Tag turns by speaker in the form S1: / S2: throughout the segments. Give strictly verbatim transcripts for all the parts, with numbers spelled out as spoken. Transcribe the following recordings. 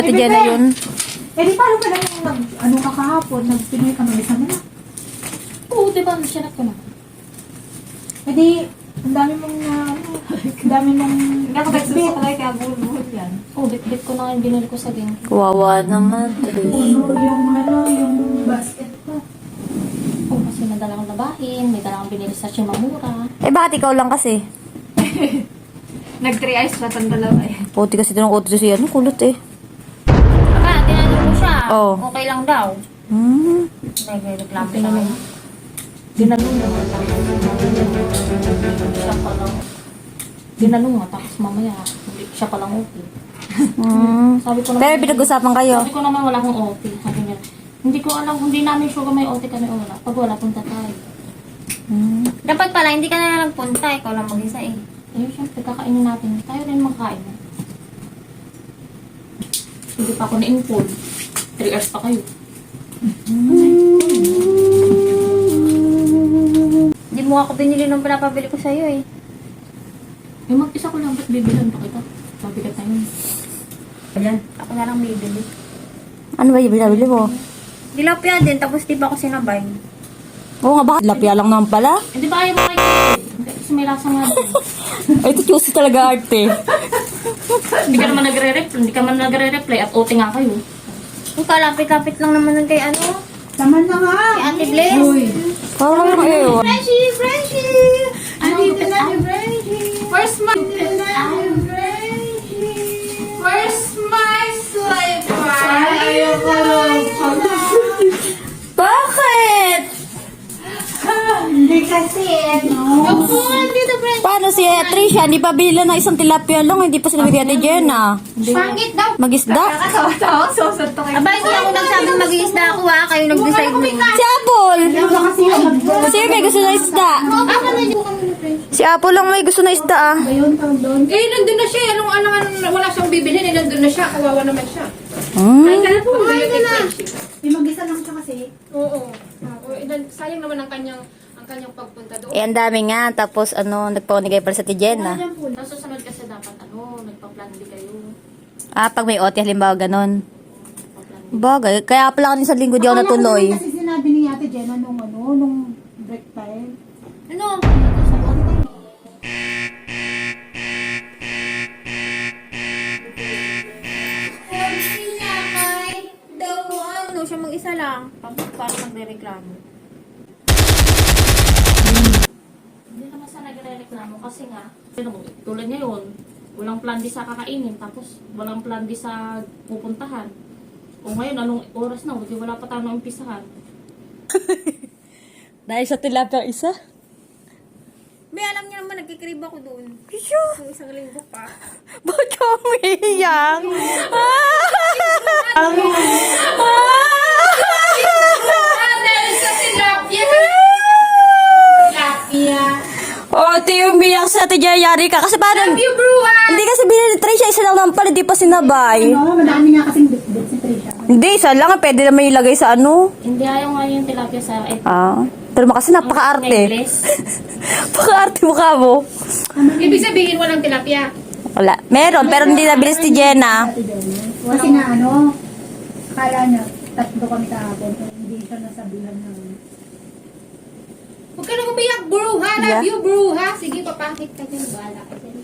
S1: Ate Jenna yun.
S2: Eh di paano ka na yung nag, ano ka kahapon, nag-Pinoy ka mag-isa mo na?
S3: Oo, diba? Sinat ko na.
S2: Eh di, ang dami mong na, ang dami mong
S4: Nakapagsuso ka kaya buhol-buhol yan.
S3: Oo, bit-bit ko na nga yung binili ko sa game.
S1: Kawawa naman.
S2: puno yung ano, yung basket ko.
S3: Oo, kasi may dalang labahin, may dalang binili sa Shimamura.
S1: Eh, bakit ikaw lang kasi?
S4: Nag-three eyes pa tang dalawa eh.
S1: Puti kasi ito ng auto siya. Ano, kulot eh.
S4: Aba, tinanong mo siya.
S1: Oo.
S4: Okay lang daw.
S1: Hmm.
S4: Nag-reklamo siya.
S3: Tinanong. Tinanong na. Siya pa lang. Tinanong nga, tapos mamaya, hindi, siya pa lang okay.
S1: Hmm.
S3: Sabi ko naman,
S1: Pero pinag-usapan kayo.
S3: Sabi ko naman wala akong O T. Sabi niya, hindi ko alam, hindi namin sure kung may O T kami o wala. Pag wala, punta tayo.
S1: Hmm.
S4: Dapat pala, hindi ka na nagpunta. Ikaw lang mag-isa eh.
S3: Eh, siyempre, kakainin natin. Tayo rin makain. Hindi pa ako na-inform. Three hours pa kayo.
S4: Hindi mo ako binili nung pinapabili ko sa'yo eh.
S3: Yung mag-isa ko lang, ba't bibilan pa kita? Mabigat na yun.
S4: Ayan. Ako na lang bibili.
S1: Ano ba yung binabili mo?
S4: Dilapia din, tapos di ba ako sinabay?
S1: Oo nga, bakit? Lapya lang naman pala.
S3: Eh, di ba ayaw mo kayo? Kasi may lasa nga din.
S1: Ay, ito choosy talaga arte.
S3: Hindi ka naman nagre-reply. Hindi ka man nagre-reply at O T nga kayo.
S4: Kung kalapit-lapit lang naman nun kay ano?
S2: Laman na nga!
S4: Kay Ate Bless.
S2: Uy!
S1: Parang lang ewan.
S4: Freshy! Freshy!
S2: Andito na si Frenchie!
S4: Where's my...
S2: Andito na si Frenchie!
S4: Where's my slipper?
S2: Ayaw ko lang pala!
S1: Bakit?
S2: Hindi kasi, ano?
S4: Dito, French.
S1: Paano si Tricia? Hindi pa binila ng isang tilapia lang. Hindi pa sila bigyan ni Jenna.
S4: Pangit daw.
S1: Mag-isda?
S4: Nakatawa-tawa, susot to kayo. Aba, hindi ako nagsabing mag-iisda ako ha. Kayo nag-decide mo.
S1: Si Apple!
S2: Ano kasi yung mag-
S1: Sino may gusto na isda?
S4: Ako na dito kami ni French.
S1: Si Apple lang may gusto na isda ah.
S2: Ayun, tawag doon.
S5: Eh, nandun na siya. Anong, anong, anong, wala siyang bibilhin. Eh, nandun na siya. Kawawa naman siya.
S1: Hmm.
S5: Ay, kaya po. Ay, na.
S2: May mag-isa lang siya kasi.
S5: Oo. Oo. Eh, nan- sayang naman ang kanyang, ang kanyang pagpunta doon.
S1: Eh, ang dami nga. Tapos, ano, nagpaunigay pala sa ti Jenna.
S2: Diyan po.
S3: Tapos susunod kasi dapat ano, nagpa-plan B kayo.
S1: Ah, pag may O T, halimbawa ganon.
S3: Nagpa-plan B.
S1: Bagay. Kaya pala kanina sa linggo di ako
S2: Akala ko
S1: natuloy.
S2: naman kasi sinabi ni Ate Jenna nung ano, nung break time.
S4: Ano? Sabi niya kay daw ano, siya mag-isa lang. Tapos parang nagre-reklamo.
S3: Hindi naman sa nagre-reklamo kasi nga, ano, tulad ngayon, walang plan di sa kakainin, tapos walang plan di sa pupuntahan. O ngayon, anong oras na? Hindi wala pa tayo na umpisahan.
S1: Dahil sa tilapia isa?
S4: May alam niya naman, nagkikrib ako doon.
S1: Pisyo!
S4: Kung isang linggo pa.
S1: Bakit ka umiiyak?
S5: Dahil sa tilapia.
S1: Oh, ito yung biyak sa ate Jayari ka. Kasi parang,
S5: You brew ah.
S1: hindi kasi binili ni Tricia, isa lang naman pala, di pa sinabay.
S2: No, madami nga kasing bit-bit si Trisha.
S1: Hindi, isa lang, pwede naman ilagay sa ano.
S3: Hindi ayaw nga yung tilapia sa eh,
S1: Ah, pero kasi napaka-arte.
S3: necklace.
S1: Napaka-arte mukha mo.
S5: Ibig sabihin walang tilapia.
S1: Wala. Meron, pero hindi nabilis ni Jenna.
S2: Ate Jenna. Kasi nga ano, akala niya, tatlo kami kahapon. pero Hindi siya nasabihan ng...
S5: Huwag ka na umiyak, bro ha. Love
S1: Yeah.
S5: you, bro ha. Sige, papakit ka dyan. Bahala ka dyan.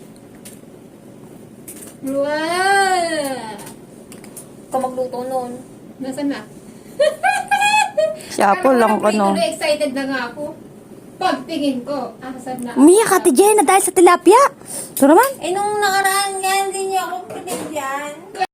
S5: Wow.
S4: Ikaw magluto noon.
S5: Nasaan na?
S1: Si Apple lang ko, no.
S5: Tuloy excited na nga ako. Pagtingin ko, asan na?
S1: Umiyak ate Jenna dahil sa tilapia. Ito naman.
S4: Eh, nung nakaraan nga, hindi niya ako pinigyan.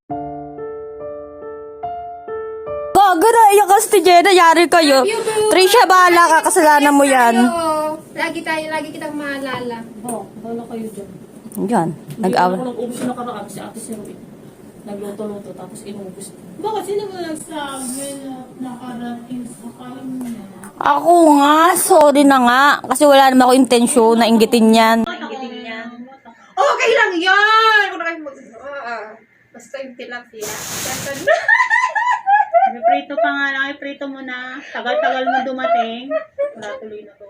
S1: Gago na, iyak ka sa ate Jenna, yari kayo. Tricia, bahala ka, kasalanan mo yan.
S5: Tayo. Lagi tayo, lagi kitang maalala.
S3: Oo, wala kayo dyan.
S1: Yan,
S3: Nag-awa.
S1: nag-awa.
S3: Ako nag-ubos na nakaraan si Ate Seruin. Nagluto-luto, tapos inubos.
S6: Bakit sino mo nagsabi na nakarating sa kanya?
S1: Ako nga, sorry na nga. Kasi wala naman ako intensyon na inggitin yan.
S5: Okay lang yan! Kung na kayo mag... Ah, basta yung tilapia. Saan na?
S6: Prito pa nga lang, prito mo na. Tagal-tagal mo dumating. Wala tuloy na to.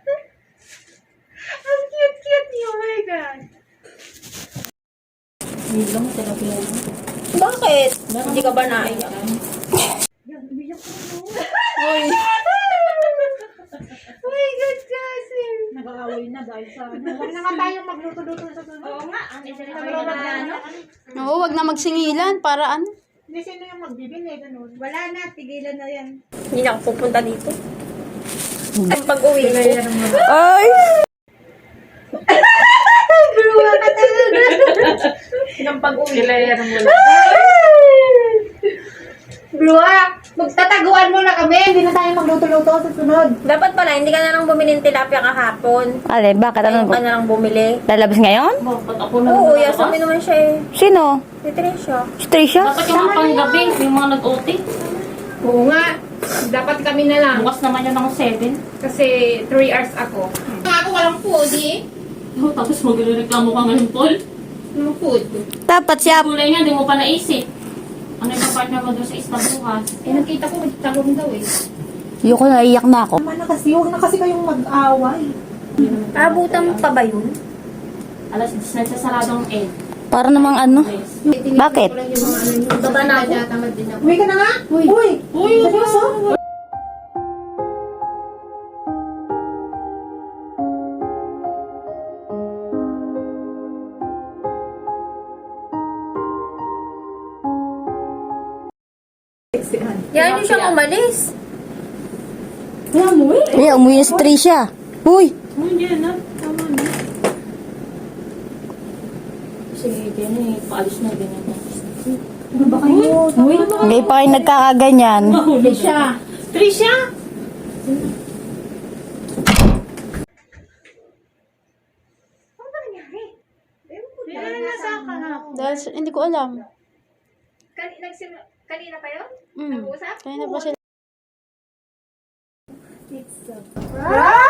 S5: Ang cute-cute niyo, oh my God.
S3: Hindi lang, tilapia lang.
S4: Bakit? Hindi ka ba naiyak?
S2: Nag-aaway na dahil sa ano. Huwag na nga tayong magluto-luto sa sunod.
S3: Oo nga, ang isa rin
S2: Nagro na ano?
S1: Oo, wag na magsingilan para ano.
S2: Hindi sino yung magbibili, ganun. Wala na, tigilan na yan.
S4: Hindi na ako pupunta dito. Ang pag-uwi ko.
S1: Ay!
S4: Ang pag-uwi ko.
S2: Blua, magtataguan mo na kami. Hindi na tayo magluto-luto sa sunod.
S4: Dapat pala, hindi ka na lang bumili ng tilapia kahapon.
S1: Ale, bakit? Ano
S4: Ano ka na lang bumili.
S1: Lalabas ngayon?
S3: Bakit ako na
S4: Oo, yasamin naman siya eh.
S1: Sino?
S4: Si Tricia.
S1: Si Tricia?
S3: Dapat yung mga panggabi, yung mga nag-O T.
S5: Oo nga. Dapat kami na lang.
S3: Bukas naman yun ako seven.
S5: Kasi three hours ako.
S4: Ako walang food eh.
S3: Oh, tapos magre-reklamo ka ngayon, Paul.
S5: Ano food?
S1: Dapat siya.
S3: Kulay nga, di mo pa naisip. Ano yung partner mo doon sa isla bukas?
S5: Eh, nakita ko magtagong daw eh.
S1: Yuko, naiyak na ako.
S2: Tama na kasi, huwag na kasi kayong mag-away.
S4: Abutan mo pa ba yun?
S3: Alas diyes nagsasarado ang egg.
S1: Para namang ano? Bakit?
S4: Baba na ako.
S5: Tamad din ako.
S2: Uwi ka na nga? Uy! Uy! Uy! Seryoso?
S4: Yan yung siyang umalis.
S1: Ay, umuwi na si Tricia. Uy!
S6: Oh, hindi na. Tama na.
S3: Sige, ganyan eh. Paalis na ganyan.
S2: Ano ba kayo? Uy!
S1: Hindi pa kayo nagkakaganyan.
S2: Siya.
S6: Tricia! Yan na nasa kahapon.
S1: Dahil, hindi ko alam.
S5: Kani, nagsim- kanina pa yun?
S1: Mm.
S5: Nag-uusap?
S1: Kaya na pa sila.
S2: Ah!